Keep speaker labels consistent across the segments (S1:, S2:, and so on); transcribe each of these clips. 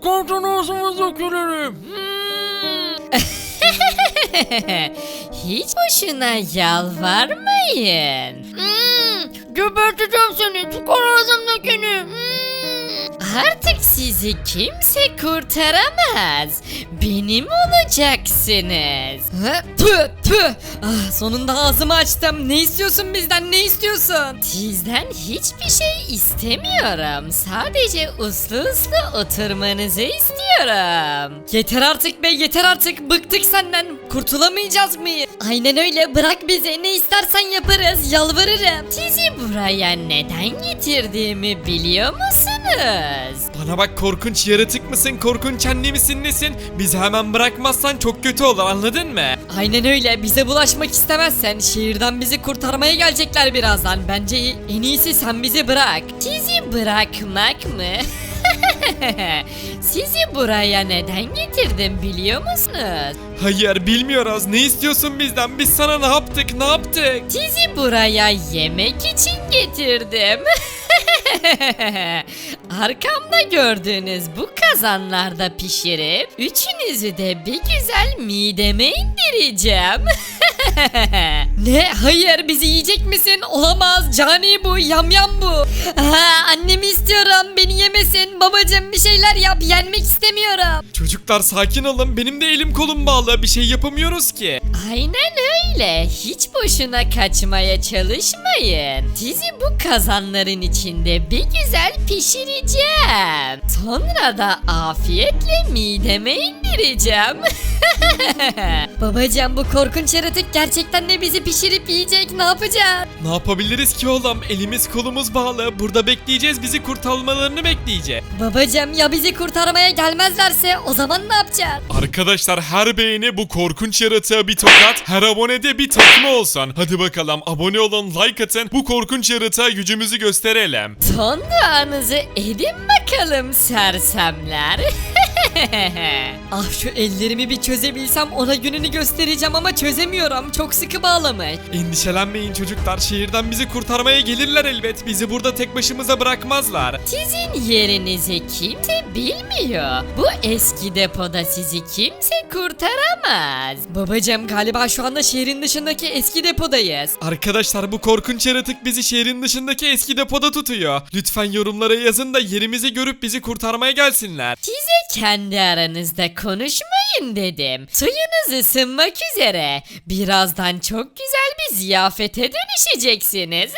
S1: korktan ağzımıza dökülürüm.
S2: Hiç boşuna yalvarmayın.
S1: Geberteceğim seni. Çıkar ağzımdakini.
S2: Artık sizi kimse kurtaramaz. Benim olacaksınız. Tüh tüh. Sonunda ağzımı açtım. Ne istiyorsun bizden, ne istiyorsun? Sizden hiçbir şey istemiyorum. Sadece uslu uslu oturmanızı istiyorum. Yeter artık be, yeter artık. Bıktık senden. Kurtulamayacağız mıyız? Aynen öyle, bırak bizi. Ne istersen yaparız, yalvarırım. Sizi buraya neden getirdiğimi biliyor musunuz?
S3: Bana bak, korkunç yaratık mısın, korkunç anne misin, nesin? Bizi hemen bırakmazsan çok kötü olur, anladın mı?
S2: Aynen öyle, bize bulaşmak istemezsen şehirden bizi kurtarmaya gelecekler birazdan. Bence en iyisi sen bizi bırak. Sizi bırakmak mı? Sizi buraya neden getirdim biliyor musunuz?
S3: Hayır, bilmiyoruz. Ne istiyorsun bizden? Biz sana ne yaptık, ne yaptık?
S2: Sizi buraya yemek için getirdim. Arkamda gördüğünüz bu kazanlarda pişirip üçünüzü de bir güzel mideme indireceğim. Ne? Hayır, bizi yiyecek misin? Olamaz. Cani bu, yamyam bu. Annemi istiyorum, beni yemesin. Babacım bir şeyler yap, yenmek istemiyorum.
S3: Çocuklar sakin olun, benim de elim kolum bağlı, bir şey yapamıyoruz ki.
S2: Aynen öyle. Hiç boşuna kaçmaya çalışmayın. Sizi bu kazanların içinde bir güzel pişireceğim. Sonra da afiyetle mideme indireceğim. Babacığım, bu korkunç yaratık gerçekten de bizi pişirip yiyecek. Ne yapacağız?
S3: Ne yapabiliriz ki oğlum? Elimiz kolumuz bağlı, burada bekleyeceğiz, bizi kurtarmalarını bekleyeceğiz.
S2: Babacığım, ya bizi kurtarmaya gelmezlerse o zaman ne yapacağız?
S3: Arkadaşlar, her beğeni bu korkunç yaratığa bir tokat, her abonede bir takma olsun. Hadi bakalım, abone olun, like atın, bu korkunç yaratığa gücümüzü gösterelim.
S2: Son duanızı edin bakalım sersemler. Ah, şu ellerimi bir çözebilsem ona gününü göstereceğim ama çözemiyorum. Çok sıkı bağlamış.
S3: Endişelenmeyin çocuklar, şehirden bizi kurtarmaya gelirler elbet. Bizi burada tek başımıza bırakmazlar.
S2: Sizin yerinizi kimse bilmiyor. Bu eski depoda sizi kimse kurtaramaz. Babacığım, galiba şu anda şehrin dışındaki eski depodayız.
S3: Arkadaşlar, bu korkunç yaratık bizi şehrin dışındaki eski depoda tutuyor. Lütfen yorumlara yazın da yerimizi görüp bizi kurtarmaya gelsinler.
S2: Size kendi aranızda konuşmayın dedim. Suyunuz ısınmak üzere. Birazdan çok güzel bir ziyafete dönüşeceksiniz.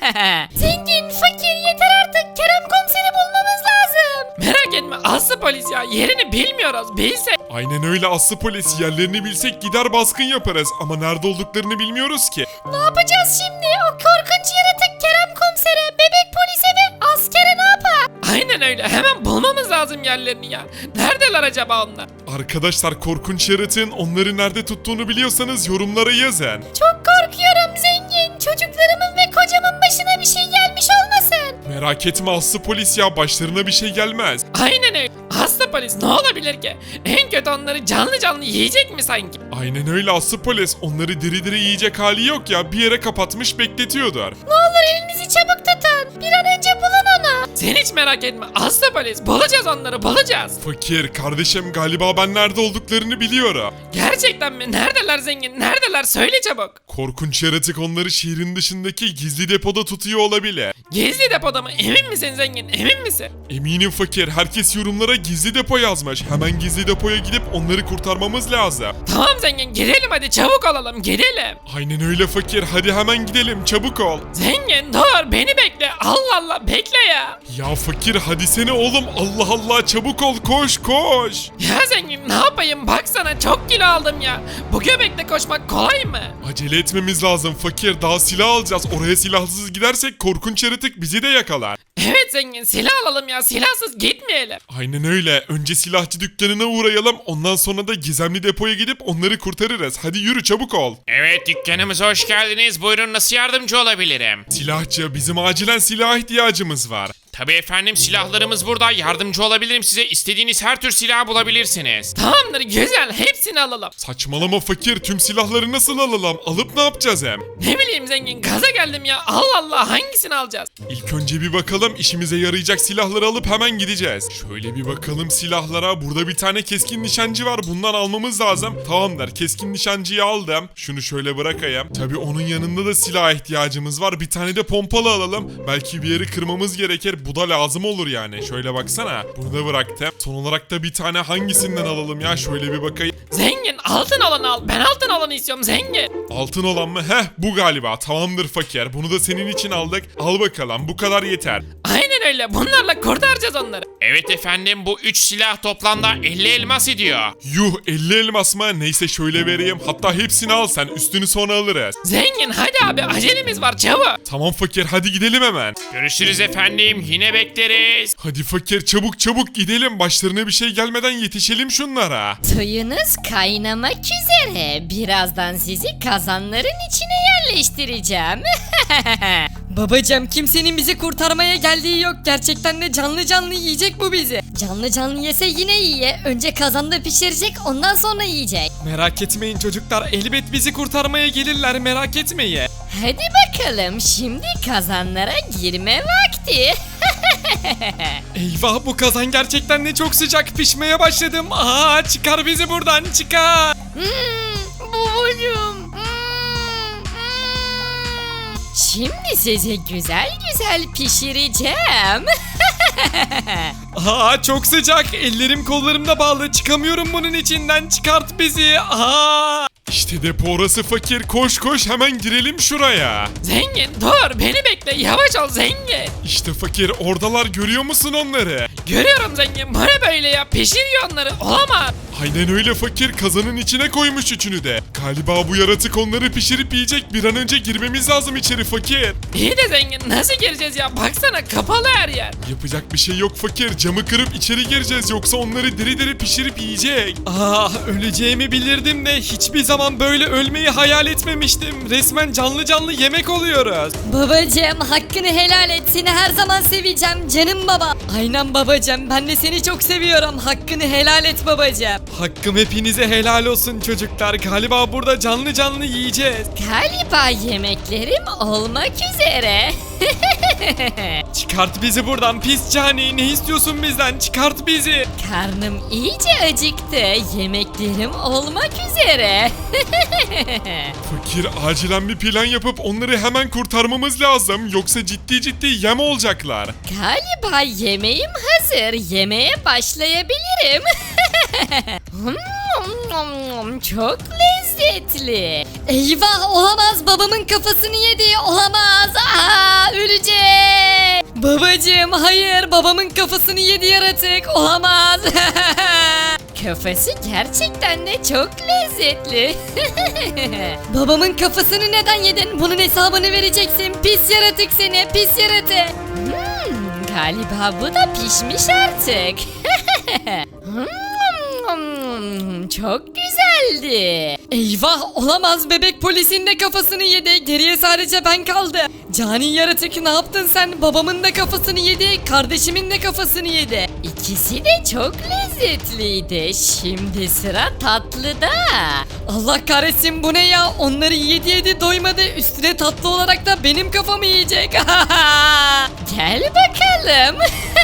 S2: Zengin, fakir, yeter artık. Kerem komiseri bulmamız lazım.
S4: Merak etme Aslı polis ya, yerini bilmiyoruz, bilsek.
S3: Aynen öyle Aslı polis, yerlerini bilsek gider baskın yaparız ama nerede olduklarını bilmiyoruz ki.
S2: Ne yapacağız şimdi? O korkunç yaratık Kerem komisere, bebek polise ve askere ne yapar?
S4: Aynen öyle, hemen bulmamız lazım yerlerini ya. Neredeler acaba onlar?
S3: Arkadaşlar, korkunç yaratığın onları nerede tuttuğunu biliyorsanız yorumlara yazın.
S2: Çok korkuyorum zengin. Çocuklarımın ve kocamın başına bir şey gelmiş olmasın.
S3: Merak etme Aslı polis ya, başlarına bir şey gelmez.
S4: Aynen öyle. Aslı polis, ne olabilir ki? En kötü onları canlı canlı yiyecek mi sanki?
S3: Aynen öyle Aslı polis, onları diri diri yiyecek hali yok ya, bir yere kapatmış bekletiyordur.
S2: Ne olur elinizi çabuk tutun. Bir an önce bulun onu.
S4: Sen hiç merak etme Aslı polis, bulacağız onları, bulacağız.
S3: Fakir kardeşim, galiba ben nerede olduklarını biliyorum.
S4: Gerçekten mi? Neredeler zengin? Neredeler? Söyle çabuk.
S3: Korkunç yaratık onları şehrin dışındaki gizli depoda tutuyor olabilir.
S4: Gizli depoda mı? Emin misin zengin? Emin misin?
S3: Eminim fakir, herkes yorumlara gizli depo yazmış. Hemen gizli depoya gidip onları kurtarmamız lazım.
S4: Tamam zengin, gidelim hadi, çabuk olalım, gidelim.
S3: Aynen öyle fakir, hadi hemen gidelim, çabuk ol.
S4: Zengin dur, beni bekle. Allah Allah, bekle ya.
S3: Ya fakir hadi sene oğlum, Allah Allah, çabuk ol, koş koş.
S4: Ya zengin, ne yapayım, baksana çok kilo aldım ya. Bu göbekle koşmak kolay mı?
S3: Acele etmemiz lazım fakir, daha silah alacağız. Oraya silahsız gidersek korkunç yaratık bizi de yakalar.
S4: Evet zengin, silah alalım ya, silahsız gitmeyelim.
S3: Aynen öyle, önce silahçı dükkanına uğrayalım, ondan sonra da gizemli depoya gidip onları kurtarırız. Hadi yürü, çabuk ol.
S5: Evet, dükkanımıza hoş geldiniz. Buyurun, nasıl yardımcı olabilirim?
S3: Silahçı, bizim acilen silah ihtiyacımız var.
S4: Tabii efendim, silahlarımız burada. Yardımcı olabilirim size. İstediğiniz her tür silah bulabilirsiniz. Tamamdır, güzel. Hepsini alalım.
S3: Saçmalama fakir, tüm silahları nasıl alalım? Alıp ne yapacağız hem?
S4: Ne bileyim zengin, gaza geldim ya. Allah Allah, hangisini alacağız?
S3: İlk önce bir bakalım, işimize yarayacak silahları alıp hemen gideceğiz. Şöyle bir bakalım silahlara. Burada bir tane keskin nişancı var. Bundan almamız lazım. Tamamdır, keskin nişancıyı aldım. Şunu şöyle bırakayım. Tabii onun yanında da silaha ihtiyacımız var. Bir tane de pompalı alalım. Belki bir yeri kırmamız gerekir. Bu da lazım olur yani. Şöyle baksana. Burada bıraktım. Son olarak da bir tane hangisinden alalım ya? Şöyle bir bakayım.
S4: Zengin, altın olanı al. Ben altın olanı istiyorum zengin.
S3: Altın olan mı? Heh, bu galiba. Tamamdır fakir. Bunu da senin için aldık. Al bakalım. Bu kadar yeter.
S4: Aynen öyle. Bunlarla kurtaracağız onları. Evet efendim, bu 3 silah toplamda 50 elmas ediyor.
S3: Yuh, 50 elmas mı? Neyse şöyle vereyim. Hatta hepsini al sen. Üstünü sonra alırız.
S4: Zengin, hadi abi, acelemiz var, çabuk.
S3: Tamam fakir, hadi gidelim hemen.
S4: Görüşürüz efendim, yine bekleriz.
S3: Hadi fakir, çabuk çabuk gidelim. Başlarına bir şey gelmeden yetişelim şunlara.
S2: Suyunuz kaynamak üzere. Birazdan sizi kazanların içine yerleştireceğim. Babacım, kimsenin bizi kurtarmaya geldiği yok. Gerçekten de canlı canlı yiyecek bu bizi. Canlı canlı yese yine iyi. Önce kazanda pişirecek, ondan sonra yiyecek.
S5: Merak etmeyin çocuklar, elbet bizi kurtarmaya gelirler, merak etmeyin.
S2: Hadi bakalım, şimdi kazanlara girme vakti.
S5: Eyvah, bu kazan gerçekten de çok sıcak, pişmeye başladım. Aa, çıkar bizi buradan, çıkar.
S1: Babacım.
S2: Şimdi sizi güzel güzel pişireceğim.
S5: Aa, çok sıcak, ellerim kollarım da bağlı, çıkamıyorum bunun içinden, çıkart bizi. Aa.
S3: İşte depo orası fakir. Koş koş hemen girelim şuraya.
S4: Zengin dur, beni bekle, yavaş ol zengin.
S3: İşte fakir, oradalar, görüyor musun onları?
S4: Görüyorum zengin, bu ne böyle ya, pişiriyor onları, olamaz.
S3: Aynen öyle fakir, kazanın içine koymuş üçünü de. Galiba bu yaratık onları pişirip yiyecek. Bir an önce girmemiz lazım içeri fakir.
S4: İyi de zengin, nasıl gireceğiz ya, baksana kapalı her yer.
S3: Yapacak bir şey yok fakir. Camı kırıp içeri gireceğiz, yoksa onları diri diri pişirip yiyecek.
S5: Aa, öleceğimi bilirdim de hiçbir zaman böyle ölmeyi hayal etmemiştim. Resmen canlı canlı yemek oluyoruz.
S2: Babacım, hakkını helal et, seni her zaman seveceğim canım baba. Aynen babacım, ben de seni çok seviyorum. Hakkını helal et babacım.
S5: Hakkım hepinize helal olsun çocuklar. Galiba burada canlı canlı yiyeceğiz.
S2: Galiba yemeklerim olmak üzere.
S5: Çıkart bizi buradan pis cani. Ne istiyorsun bizden? Çıkart bizi.
S2: Karnım iyice acıktı. Yemeklerim olmak üzere.
S3: Fakir, acilen bir plan yapıp onları hemen kurtarmamız lazım. Yoksa ciddi ciddi yem olacaklar.
S2: Galiba yemeğim hazır. Yemeğe başlayabilirim. Çok lezzetli. Eyvah, olamaz, babamın kafasını yedi. Olamaz. Aa, ölecek. Babacığım, hayır, babamın kafasını yedi yaratık. Olamaz. Kafası gerçekten de çok lezzetli. Babamın kafasını neden yedin? Bunun hesabını vereceksin. Pis yaratık seni, pis yaratık. Galiba bu da pişmiş artık. Çok güzeldi. Eyvah, olamaz, bebek polisin de kafasını yedi. Geriye sadece ben kaldım. Cani yaratık, ne yaptın sen? Babamın da kafasını yedi, kardeşimin de kafasını yedi. İkisi de çok lezzetliydi. Şimdi sıra tatlıda. Allah kahretsin, bu ne ya? Onları yedi doymadı. Üstüne tatlı olarak da benim kafamı yiyecek. Gel bakalım.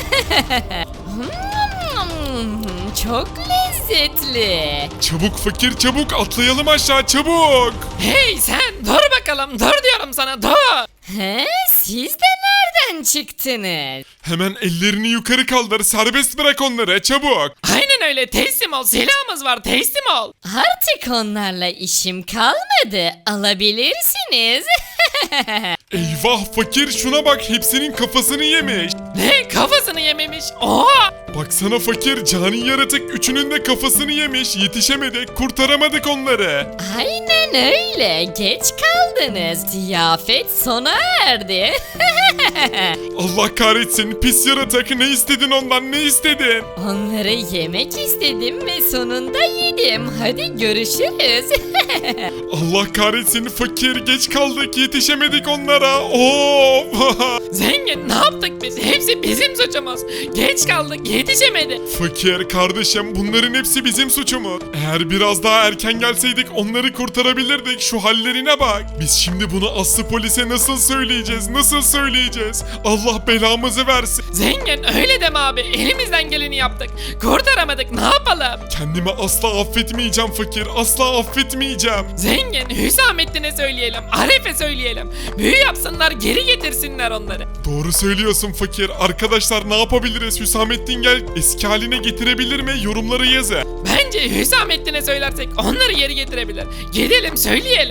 S2: Çok lezzetli.
S3: Çabuk fakir, çabuk atlayalım aşağı, çabuk.
S4: Hey sen, dur bakalım, dur diyorum sana, dur.
S2: He, siz de nereden çıktınız?
S3: Hemen ellerini yukarı kaldır, serbest bırak onları, çabuk.
S4: Aynen öyle, teslim ol, silahımız var, teslim ol.
S2: Artık onlarla işim kalmadı. Alabilirsiniz.
S3: Eyvah fakir, şuna bak, hepsinin kafasını yemiş.
S4: Ne, kafasını yememiş, oha.
S3: Baksana fakir, cani yaratık üçünün de kafasını yemiş. Yetişemedik, kurtaramadık onları.
S2: Aynen öyle. Geç kaldınız. Ziyafet sona erdi.
S3: Allah kahretsin, pis yaratık, ne istedin ondan, ne istedin?
S2: Onları yemek istedim ve sonunda yedim. Hadi görüşürüz.
S3: Allah kahretsin fakir, geç kaldık, yetişemedik onlara. Of.
S4: Zengin ne yaptık biz? Hepsi bizim suçumuz. Geç kaldık, yetişemedi.
S3: Fakir kardeşim, bunların hepsi bizim suçumuz. Eğer biraz daha erken gelseydik onları kurtarabilirdik. Şu hallerine bak. Biz şimdi bunu Aslı polise nasıl söyleyeceğiz? Nasıl söyleyeceğiz? Allah belamızı versin.
S4: Zengin öyle deme abi. Elimizden geleni yaptık. Kurtaramadık, ne yapalım?
S3: Kendimi asla affetmeyeceğim fakir. Asla affetmeyeceğim.
S4: Zengin Hüsamettin'e söyleyelim. Arif'e söyleyelim. Büyü yapsınlar, geri getirsinler onları.
S3: Doğru söylüyorsun fakir. Arkadaşlar ne yapabiliriz? Hüsamettin gel eski haline getirebilir mi? Yorumlara yazın.
S4: Bence Hüsamettin'e söylersek onları geri getirebilir. Gidelim söyleyelim.